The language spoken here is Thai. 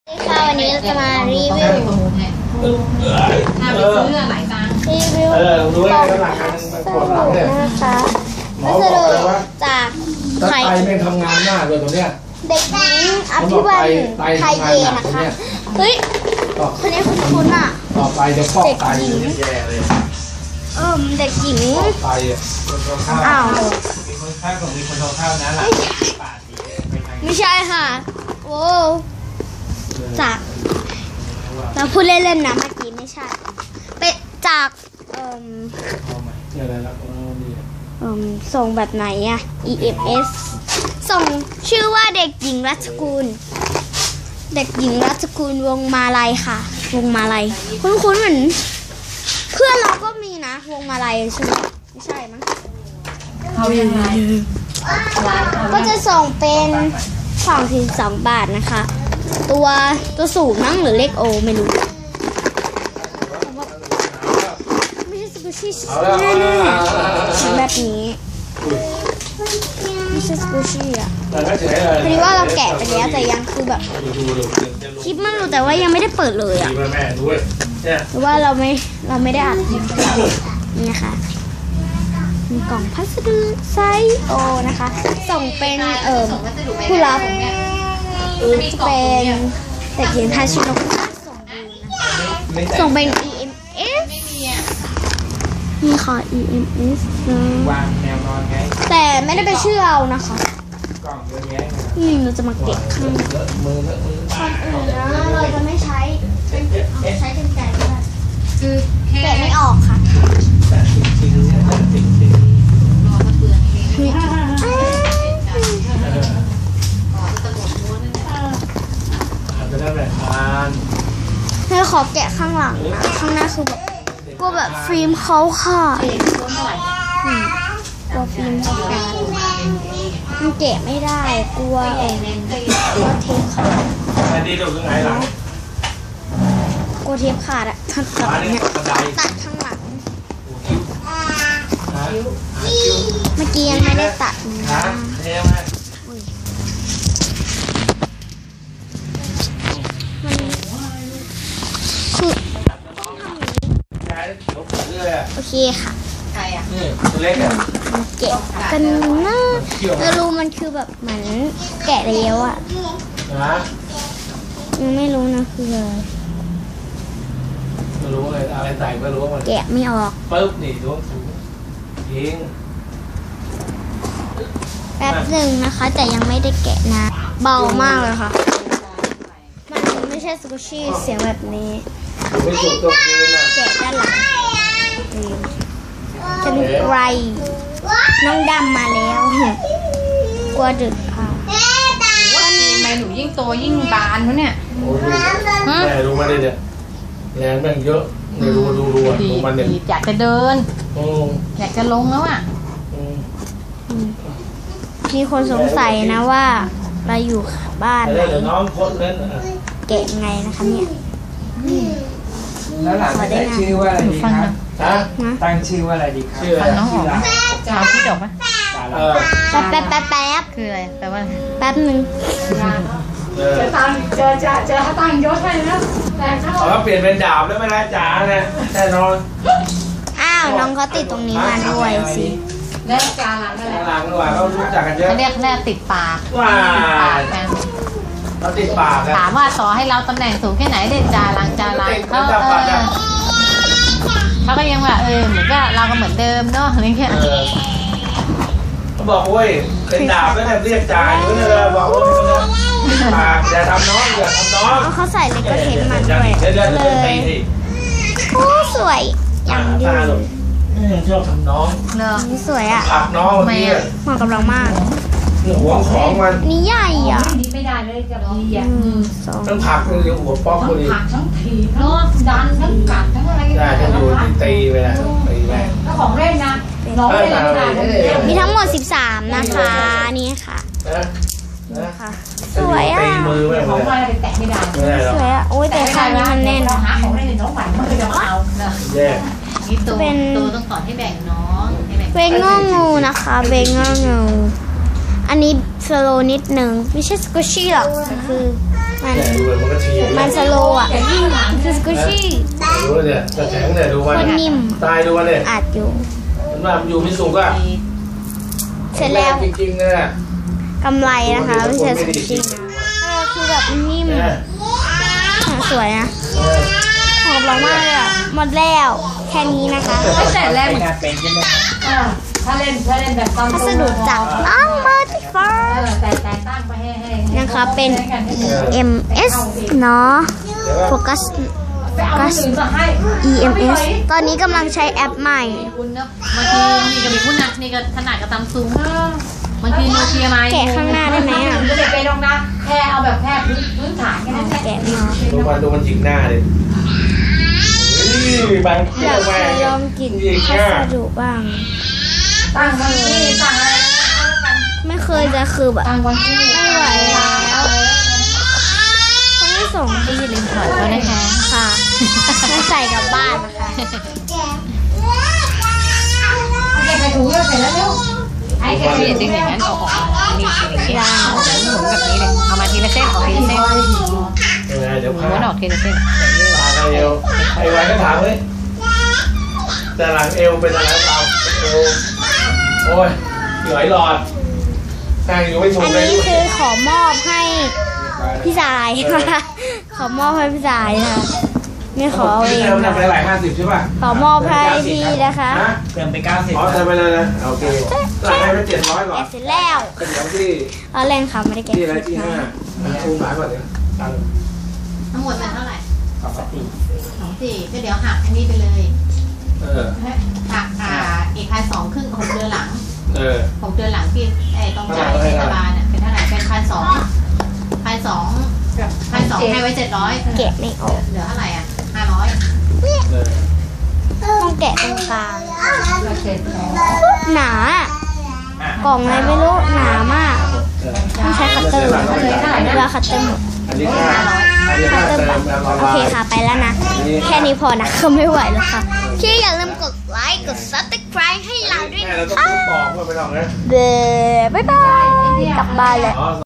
ค่ะวันนี้เราจะมารีวิวรีวิวกล่องพัสดุนะคะพัสดุจากไทยไม่ทำงานหน้าเลยตัวเนี้ยเด็กหญิงอภิวัลไทยเอนะคะเฮ้ยคนนี้คุณอ่ะต่อไปจะฟอกไตเด็กหญิงไตอ้าวมีคนข้าวนะหลังไม่ใช่ค่ะโอ้จากเราพูดเล่นๆนะเมื่อกี้ไม่ใช่เป็นจากส่งแบบไหนอะ EMS ส่งชื่อว่าเด็กหญิงรัชกุลเด็กหญิงรัชกุลวงมาลัยค่ะวงมาลัยคุ้นๆเหมือนเพื่อนเราก็มีนะวงมาลัยใช่ไหมไม่ใช่มั้งเอายังไงก็จะส่งเป็น2 บาทนะคะตัวสูงมั้งหรือเลขโอไม่รู้ไม่ใช่สกูชี่แน่ๆแบบนี้ไม่ใช่สกูชี่อ่ะพอดีว่าเราแกะไปแล้วแต่ยังคือแบบคลิปมันรู้แต่ว่ายังไม่ได้เปิดเลยอ่ะหรือว่าเราไม่ได้อัดนี่ค่ะมีกล่องพัสดุไซส์โอนะคะส่งเป็นผู้รับเป็นเด็กหญิงทาชิโนะส่งเป็น EMS นี่ค่ะ EMS นะแต่ไม่ได้เป็นชื่อเรานะคะเราจะมาเก็บข้างก่อนอื่นนะเราจะไม่ใช้ใช้กันไกรด้วยคือแกะไม่ออกค่ะเธอขอแกะข้างหลังนะข้างหน้าคือแบบกลัวแบบฟิล์มเขาค่ะกลัวฟิล์มเขาขาดมันแกะไม่ได้กลัวเทปขาดกลัวเทปขาดอะตัดข้างหลังเมื่อกี้ยังไม่ได้ตัดนะคือโอเคค่ะแกะกันนะแต่รู้มันคือแบบเหมือนแกะแล้วอ่ะยังไม่รู้นะคืออะไรไม่รู้เลยอะไรใส่ไม่รู้มันแกะไม่ออกปึ๊บนี่ดูทิ้งแป๊บหนึ่งนะคะแต่ยังไม่ได้แกะนะเบามากเลยค่ะมันไม่ใช่สกูชี่เสียงแบบนี้แกะด้านหลังจะมีไรน้องดำมาแล้วกลัวดึกค่ะทำไมหนูยิ่งโตยิ่งบานเขาเนี่ยแม่รู้มาเลยเนี่ยแรงแม่งเยอะเนี่ยดูมันเนี่ยอยากจะเดินอยากจะลงแล้วอ่ะมีคนสงสัยนะว่าเราอยู่บ้านไหนแกะไงนะคะเนี่ยแล้วหลานจะตั้งชื่อว่าอะไรดีครับตั้งชื่อว่าอะไรดีครับฟังน้องออกชาวที่จบปะแป๊บคืออะไรแปลว่าแป๊บนึงจะตั้งยศให้นะแต่เขาเปลี่ยนเป็นดาบแล้วไม่ได้จ๋าเนี่ยแน่นอนอ้าวน้องเขาติดตรงนี้มาด้วยสิแล้วจารังอะไรหลังด้วยเขารู้จักกันเยอะเรียกติดปากว้าเราติดปากถามว่าต่อให้เราตำแหน่งสูงแค่ไหนเด็ดจารังเขาก็ยังว่าเหมือนก็เราก็เหมือนเดิมเนาะอะไรเงี้ยเขาบอกโอ้ยเป็นดาบแล้วเนี่ยเรียกจ่าอยู่เลยบอกว่าปากอย่าทำน้องอย่าทำน้องเขาใส่เลกเทนมาด้วยเลยโอ้สวยอย่างดีชอบทำน้องนี่สวยอ่ะผักน้องนี่เหมาะกับเรามากหัวของมันนี่ใหญ่อ่ะไม่ได้เลยกับดีอ่ะต้องผักเลยหัวป๊อกเลยผักทั้งทีเนาะดันทั้งกัดทั้งอะไรได้จะดูตีไปแล้วตีแม่แล้วของเล่นนะน้องเล่นมีทั้งหมด13นะคะนี่ค่ะสวยอ่ะของอะไรไปแตะไม่ได้สวยอ่ะโอ้ยแต่ข้างนี้มันแน่นหาของเล่นน้องใหม่มันจะเอาแย่นี่ตัวต้องสอนให้แบ่งน้องเบงงองูนะคะเบงงองูอันนี้สโลนิดนึงไม่ใช่สกูชี่หรอกคือมันมันสโลว์อ่ะคือสกูชี่ดูเนี่ยจะแข็งเนี่ยดูมันคนนิ่มตายดูมันเนี่ยอัดอยู่มันว่ามันอยู่ไม่สุกอ่ะเสร็จแล้วจริงๆเลยอะกำไรนะคะไม่ใช่สกูชี่นะคือแบบนิ่มสวยนะหอมร้อนมากเลยอ่ะหมดแล้วแค่นี้นะคะไม่แต่แรกเหมือนกันถ้าเล่นแบบตั้งพัสดุจากน้องเมอร์ติฟอร์แต่ตั้งไปให้นะคะเป็น EMS เนาะโฟกัสไปเอาอื่นมาให้ EMS ตอนนี้กำลังใช้แอปใหม่คุณเนาะบางทีนี่ก็มีคุณนะนี่ก็ถนัดกับตำซุงบางทีโนเกียมาแกะข้างหน้าได้ไหมอ่ะจะไปลงนะแค่เอาแบบแค่พื้นฐานแค่นั้นแหละแกะมาดูมันจิกหน้าเลยบางเที่อย ยาว กแม่จะลองกินพัสดุบ้างตั้งวันที่ตั้งอะไรไม่เคยจะคือแบบตั้งวันที่ไม่ไหวแล้วคนที่ส่งที่อย่าลืมถอดเขานะคะค่ะไม่ใส่กลับบ้านนะคะแกใส่ถุงเสร็จแล้วเร็วไอ้แกเปลี่ยนดึงอย่างนั้นเอาออกมานี่อย่างนี้หมุนแบบนี้เลยเอามาทีละเส้นออกทีละเส้นเดี๋ยวม้พาวนออกทีละเส้นตาเอวไอ้ไว้ก็ถามเลยแต่หลังเอวเป็นอะไรเราเอวโอ้ยเหนื่อยหลอดนั่งอยู่ไม่ถูอักนเลยนี้คือขอมอบให้พี่สายนะคะขอมอบให้พี่สายนะคะไม่ขอเอาเองเติมค่ะไปหลาย50ใช่ป่ะขอมอบให้พี่นะคะเติมไป90อ๋อเติมไปเลยนะโอเคหลังให้ไป700หรอแกะเสร็จแล้วเป็นเดี๋ยวที่เอาเล่นค่ะไม่ได้แกะที่อะไรที่5อุ้มหลายกว่าเนี่ยตังค์ทั้งหมดเป็นเท่าไหร่ 2 24ก็เดี๋ยวหักอันนี้ไปเลย 4 หักอีก1,200ครึ่ง6 เดือนหลัง 6 6 เดือนหลังที่ต้องจ่ายเทศบาลเนี่ยเป็นเท่าไหร่เป็น1,200ให้ไว้700 แกะไม่ออกเหลือเท่าไหร่อ่ะ500 ต้องแกะตรงกลางหนาอะกล่องอะไรไม่รู้หนามากต้องใช้คัตเตอร์เวลาคัตเตอร์หมดอันนี้ค่าเติมโอเคค่ะไปแล้วนะ แค่นี้พอนะก็ไม่ไหวแล้วค่ะที่อย่าลืมกดไลค์กด subscribe ให้เราด้วยแม่นะเราต้องคะบอกว่าไปลองนะบ๊ายบายกลับบ้านเลย